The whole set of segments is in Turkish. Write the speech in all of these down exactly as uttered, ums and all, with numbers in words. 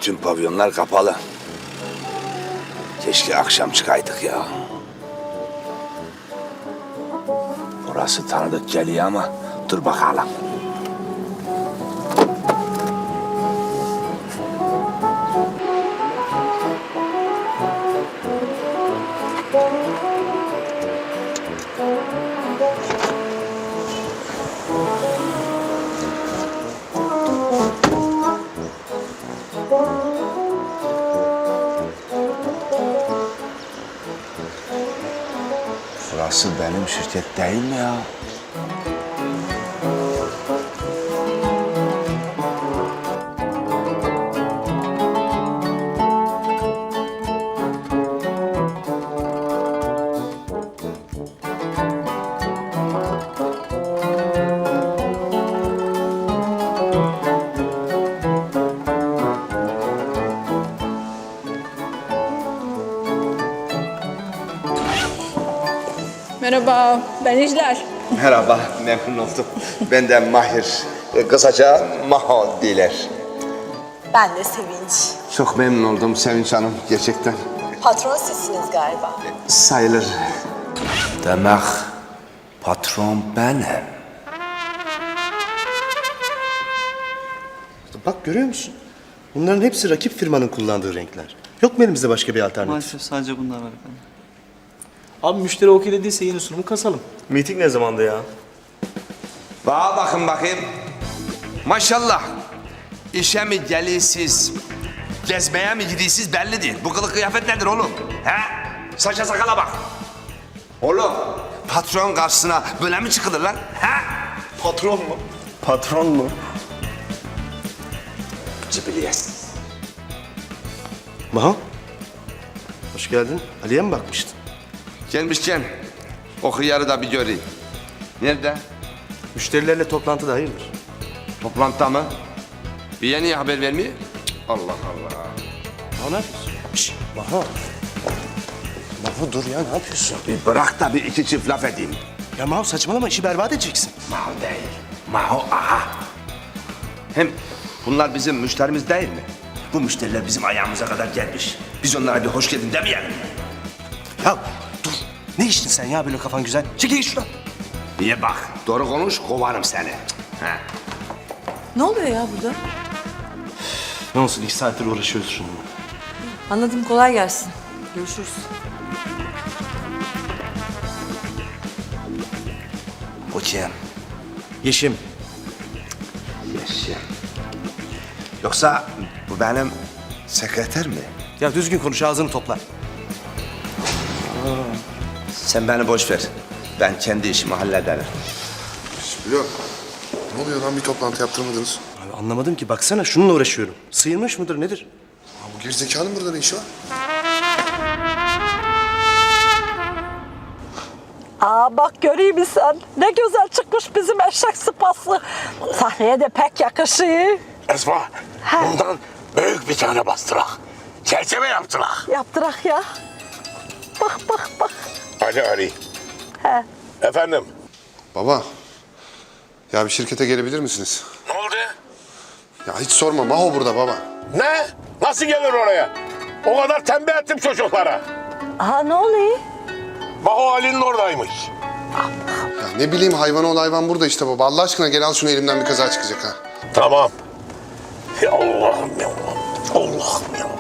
Bütün pavyonlar kapalı. Keşke akşam çıkaydık ya. Orası tanıdık geliyor ama dur bakalım. Burası benim şirket değil mi ya? Merhaba, ben İcler. Merhaba, memnun oldum. Ben de Mahir. E, Kısaca Maho diler. Ben de Sevinç. Çok memnun oldum Sevinç Hanım, gerçekten. Patron sizsiniz galiba. Sayılır. Demek patron benim. Bak görüyor musun? Bunların hepsi rakip firmanın kullandığı renkler. Yok mu elimizde başka bir alternatif? Maalesef sadece bunlar var efendim. Abi müşteri okey dediyse yeni sunumu kasalım. Meeting ne zamandı ya? Bana bakın bakayım. Maşallah. İşe mi geliyorsunuz, gezmeye mi gidiyorsunuz belli değil. Bu kılık kıyafet nedir oğlum? He? Saça sakala bak. Oğlum, patron karşısına böyle mi çıkılır lan? He? Patron mu? Patron mu? Cibiliyes. Maho. Hoş geldin. Ali'ye mi bakmıştın? Gelmişken o hıyarı da bir göreyim. Nerede? Müşterilerle toplantıda hayırdır? Toplantıda mı? Bir yeni haber vermiyor. Cık, Allah Allah. Maho ne yapıyorsun? Şşş Maho. Maho dur ya ne yapıyorsun? Bir bırak da bir iki çift laf edeyim. Ya Maho saçmalama işi berbat edeceksin. Maho değil. Maho aha. Hem bunlar bizim müşterimiz değil mi? Bu müşteriler bizim ayağımıza kadar gelmiş. Biz onlara bir hoş geldin demeyelim mi? Ya dur. Ne içtin sen ya böyle kafan güzel? Çekil git şuradan. Niye bak? Doğru konuş, kovarım seni. Ha. Ne oluyor ya burada? Ne olsun iki saattir uğraşıyoruz şununla. Anladım, kolay gelsin. Görüşürüz. Bu kim? Yeşim. Yeşim. Yoksa bu benim sekreter mi? Ya düzgün konuş ağzını topla. Sen beni boş ver. Ben kendi işimi hallederim. Biliyorum. Ne oluyor lan bir toplantı yaptırmadınız? Abi anlamadım ki baksana şununla uğraşıyorum. Sıyırmış mıdır nedir? Ya bu gerizekalının burada ne işi var? Aa bak göreyim mi sen? Ne güzel çıkmış bizim eşek sıpası. Sahneye de pek yakışıyor. Esma, bundan büyük bir tane bastırak. Çerçeve yaptırak. Yaptırak ya. Bak bak bak. Ali Ali. He. Efendim, Baba. Ya bir şirkete gelebilir misiniz? ne oldu? Ya hiç sorma. Maho burada baba. Ne? Nasıl gelir oraya? O kadar tembih ettim çocuklara. Aha ne oluyor? Maho Ali'nin oradaymış. Ya ne bileyim hayvan ol hayvan burada işte baba. Allah aşkına gel al şunu elimden bir kaza çıkacak ha. Tamam. Ya Allah'ım ya Allah'ım. Allah'ım ya.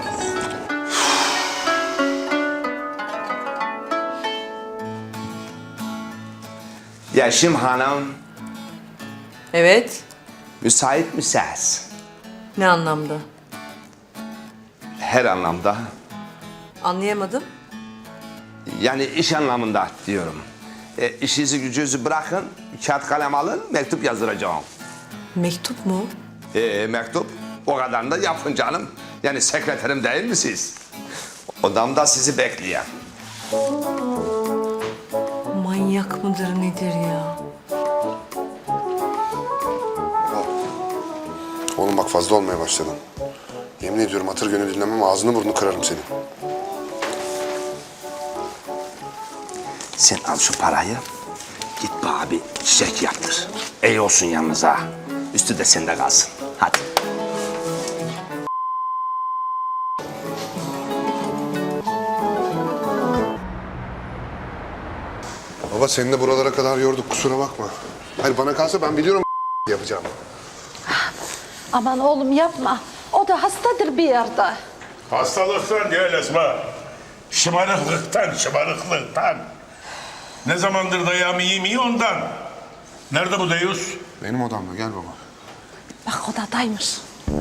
Yeşim Hanım, Evet, müsait misiniz? ne anlamda? Her anlamda. Anlayamadım. Yani iş anlamında diyorum. E, işinizi gücünüzü bırakın, kağıt kalem alın, mektup yazdıracağım. Mektup mu? E, mektup, o kadarını da yapın canım. Yani sekreterim değil mi siz? Odamda sizi bekleyen. Manyak mıdır nedir ya? Oğlum bak fazla olmaya başladın. Yemin ediyorum hatır gönül dinlemem ağzını burnunu kırarım senin. Sen al şu parayı, git bana bir çiçek yaptır. İyi olsun yalnız ha. Üstü de sende kalsın. Hadi. Baba seni de buralara kadar yorduk kusura bakma. Hayır bana kalsa ben biliyorum yapacağım. Aman oğlum yapma. O da hastadır bir yerde. Hastalıktan değil Esma. Şımarıklıktan, şımarıklıktan. Ne zamandır dayağımı yemiyor ondan. Nerede bu Deyus? Benim odamda gel baba. Bak odadaymış.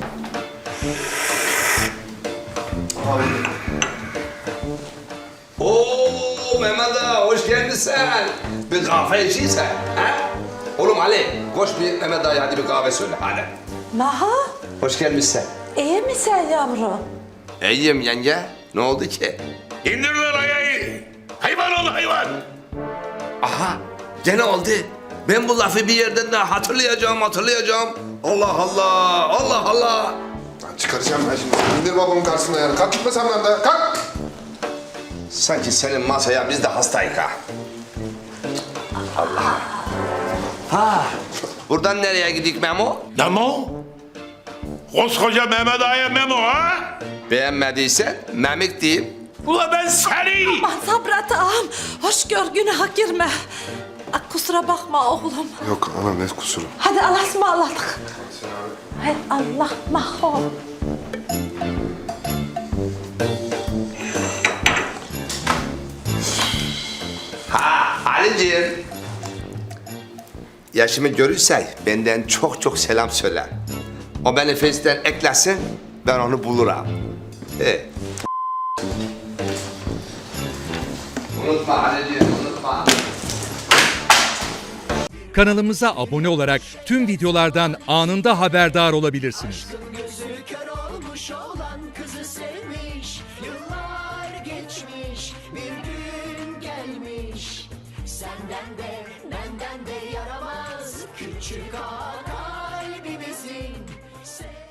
Oo Mehmet ağa hoş geldin. Bir kahve içiysen. Ha? Oğlum Ali koş bir Mehmet ağaya hadi bir kahve söyle hadi. Maha, Hoş gelmişsin. iyi misin yavrum? İyiyim yenge. Ne oldu ki? İndir lan ayağı. Hayvan ol hayvan. Aha gene oldu. Ben bu lafı bir yerden daha hatırlayacağım hatırlayacağım. Allah Allah Allah Allah. Lan çıkaracağım ben şimdi. İndir babamın karşısına yani. Kalk gitme sen benden. Kalk. Sanki senin masaya biz de hastayık ha. Allah. Ha. Buradan nereye gidik Memo? Memo? Koskoca Mehmet Ağa'ya Memo ha? Beğenmediysen Memik diyeyim. Ula ben seni. Aman Sabret ağam, hoş gör günaha girme. Ak, kusura bakma oğlum. Yok ana ne kusuru. Hadi Allah'a ısmarladık. Hay Allah Maho. Ha Ali'ciğim. Yaşımı görürsen benden çok çok selam söyle. O beni Face'ten eklesin, ben onu bulurum. He. Unutma Ali'ciğim, unutma. Kanalımıza abone olarak tüm videolardan anında haberdar olabilirsiniz. Gözü kör olmuş olan kızı sevmiş. Yıllar geçmiş, bir gün gelmiş. Senden de benden de yaramaz küçük ağa kalbimizin.